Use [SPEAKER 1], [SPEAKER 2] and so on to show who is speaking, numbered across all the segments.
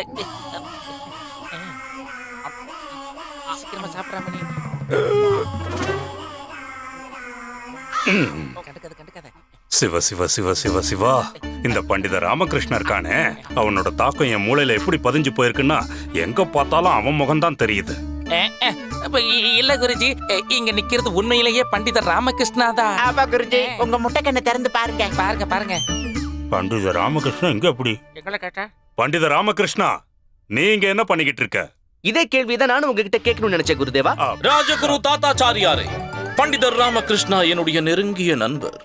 [SPEAKER 1] சீக்கிரமா சாப்பிடாம கண்டுக்காத.
[SPEAKER 2] சிவ சிவ சிவ சிவ சிவா, இந்த பண்டித ராமகிருஷ்ணன் இருக்கானே, அவனோட தாக்கம் என் மூளையில எப்படி பதிஞ்சு போயிருக்குன்னா எங்க பார்த்தாலும் அவன் முகம்தான் தெரியுது.
[SPEAKER 1] இல்ல குருஜி, இங்க நிக்கிறது உண்மையிலேயே பண்டிதர் ராமகிருஷ்ணா தான்.
[SPEAKER 3] ஆமா குருஜி, உங்க முட்டைக்கண்ணை திறந்து பாருங்க.
[SPEAKER 1] பாருங்க.
[SPEAKER 2] பண்டித ராமகிருஷ்ணன் எங்க? எப்படி
[SPEAKER 1] எங்களை கேட்டா?
[SPEAKER 2] பண்டித ராமகிருஷ்ணா, நீங்க என்ன பண்ணிக்கிட்டு இருக்க?
[SPEAKER 4] இதே கேள்விதான் நானும் உங்ககிட்ட கேட்கணும்னு நினைச்சேன் குருதேவா.
[SPEAKER 5] ராஜகுரு தாத்தாச்சாரியாரே, பண்டிதர் ராமகிருஷ்ணா என்னுடைய நெருங்கிய நண்பர்.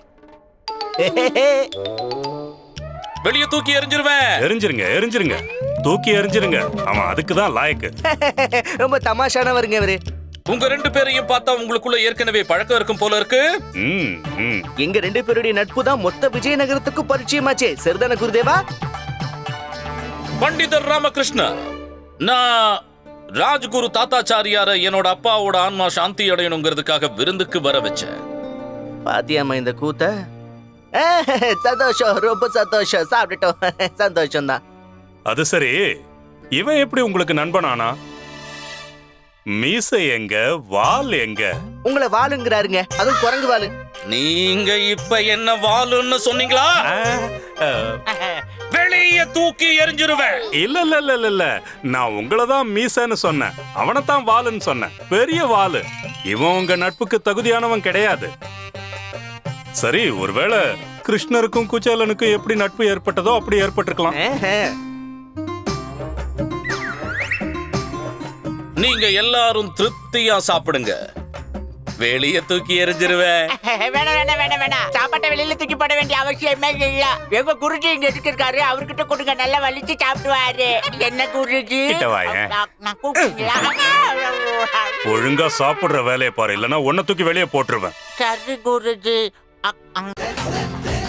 [SPEAKER 5] வெளியே தூக்கி எறிஞ்சிருவேன்.
[SPEAKER 2] எரிஞ்சிருங்க, தூக்கி எரிஞ்சிருங்க. ஆமா, அதுக்குதான் லாயக்கு.
[SPEAKER 4] ரொம்ப தமாஷானவருங்க இவரு.
[SPEAKER 5] உங்க ரெண்டு பேரையும் பார்த்தா உங்களுக்குள்ள ஏற்கனவே பழக்கம் இருக்கும் போல இருக்கு.
[SPEAKER 4] எங்க ரெண்டு பேருடைய நட்பு தான் மொத்த விஜயநகரத்துக்கு பரிச்சயமாச்சே. சரிதான குருதேவா?
[SPEAKER 5] பண்டிதர் ராமகிருஷ்ணா, நான் ராஜகுரு தாத்தாச்சாரியார என்னோட அப்பாவோட ஆன்மா சாந்தி அடையணுங்கிறதுக்காக விருந்துக்கு வர வச்சேன்.
[SPEAKER 4] பாத்தியாமா இந்த கூத்த? சந்தோஷம், ரொம்ப சந்தோஷம். சாப்பிட்டுட்டோம், சந்தோஷம் தான்.
[SPEAKER 2] அது சரி, இவன் எப்படி உங்களுக்கு நண்பனானா? மீசை எங்க, வால் எங்க?
[SPEAKER 4] உங்களை வாளுங்கிறாருங்க, அதுவும் குரங்கு வாளு.
[SPEAKER 5] நீங்க இப்ப என்ன வாளுன்னு சொன்னீங்களா? வெளியே தூக்கி எறிஞ்சிருவேன்.
[SPEAKER 2] இல்ல, நான் உங்களதான் மீசைன்னு சொன்னேன், அவனைத்தான் வாளுன்னு சொன்னேன். பெரிய வாளு. இவன் உங்க நட்புக்கு தகுதியானவன் கிடையாது. சரி, ஒருவேளை கிருஷ்ணருக்கும் குச்சேலனுக்கும் எப்படி நட்பு ஏற்பட்டதோ அப்படி ஏற்பட்டிருக்கலாம்.
[SPEAKER 5] நீங்க எல்லாரும் திருப்தியா சாப்பிடுங்க. வெளியே தூக்கி எறிஞ்சிருவேன்.
[SPEAKER 3] வேணாம். சாப்பாட்டை வெளியில தூக்கி போட வேண்டிய அவசியமே இல்ல. எங்க குருஜி இங்க இருக்காரு, அவர்கிட்ட கொடுங்க, நல்லா வலிச்சு சாப்பிடுவாரு. என்ன குருஜி? நான் கூப்பிட்டீங்களா?
[SPEAKER 2] ஒழுங்கா சாப்பிடுற வேலையை பாரு, இல்லன்னா உன்னை தூக்கி வெளியே போட்டுருவேன்.
[SPEAKER 3] சரி குருஜி.